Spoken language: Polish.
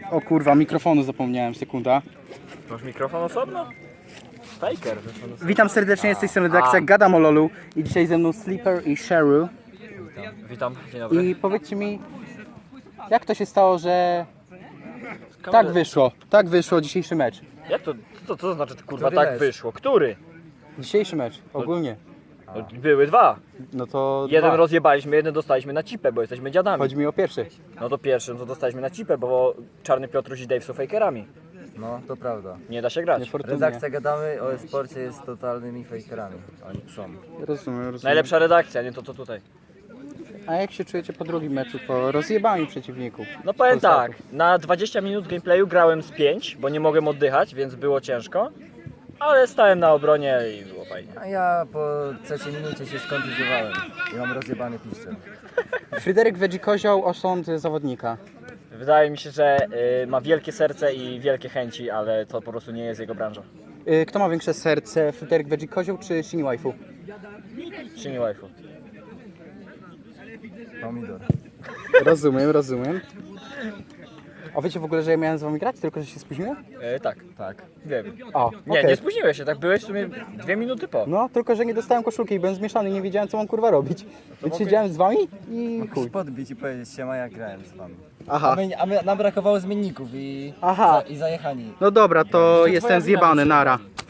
O kurwa, mikrofonu zapomniałem, sekunda. Masz mikrofon osobno? Faker. Witam serdecznie, z tej strony redakcja Gadam o LoLu i dzisiaj ze mną Sleeper i Sheru. Witam, dzień dobry. I powiedzcie mi, jak to się stało, że tak wyszło dzisiejszy mecz? Jak to? Co to znaczy kurwa Który tak mecz? wyszło? Który? Dzisiejszy mecz, ogólnie. No, były dwa. No to Jeden dwa. rozjebaliśmy, jeden dostaliśmy na cipę, bo jesteśmy dziadami. Chodzi mi o pierwszy. No to pierwszym to dostaliśmy na cipę, bo Czarny Piotruś i Dave są fakerami. No, to prawda. Nie da się grać. Niefortunnie. Redakcja Gadamy o e-sporcie jest totalnymi fakerami. Oni są. Rozumiem. Najlepsza redakcja, nie to co tutaj. A jak się czujecie po drugim meczu, po rozjebaniu przeciwników? No powiem Polsaków? tak, na 20 minut gameplayu grałem z 5, bo nie mogłem oddychać, więc było ciężko. Ale stałem na obronie i było fajnie. A ja po trzeciej minucie się skontuzjowałem i mam rozjebany piszczel. Fryderyk Wedzi-Kozioł, osąd zawodnika. Wydaje mi się, że ma wielkie serce i wielkie chęci, ale to po prostu nie jest jego branża. Kto ma większe serce, Fryderyk Wedzi-Kozioł czy Shini Waifu? Shini waifu. Pomidor. Rozumiem. A wiecie w ogóle, że ja miałem z wami grać, tylko że się spóźniłem? Tak, Tak. wiem. O, Nie, okej. nie spóźniłeś się, tak byłeś w sumie 2 minuty po. No, tylko że nie dostałem koszulki i byłem zmieszany, nie wiedziałem co mam kurwa robić. Więc mogę- siedziałem z wami i Mógłbyś chuj. podbić i powiedzieć siema, ja grałem z wami. Aha. Nam brakowało zmienników i, Aha. i zajechani. No dobra, to To jestem twoja zjebany, wina, nara.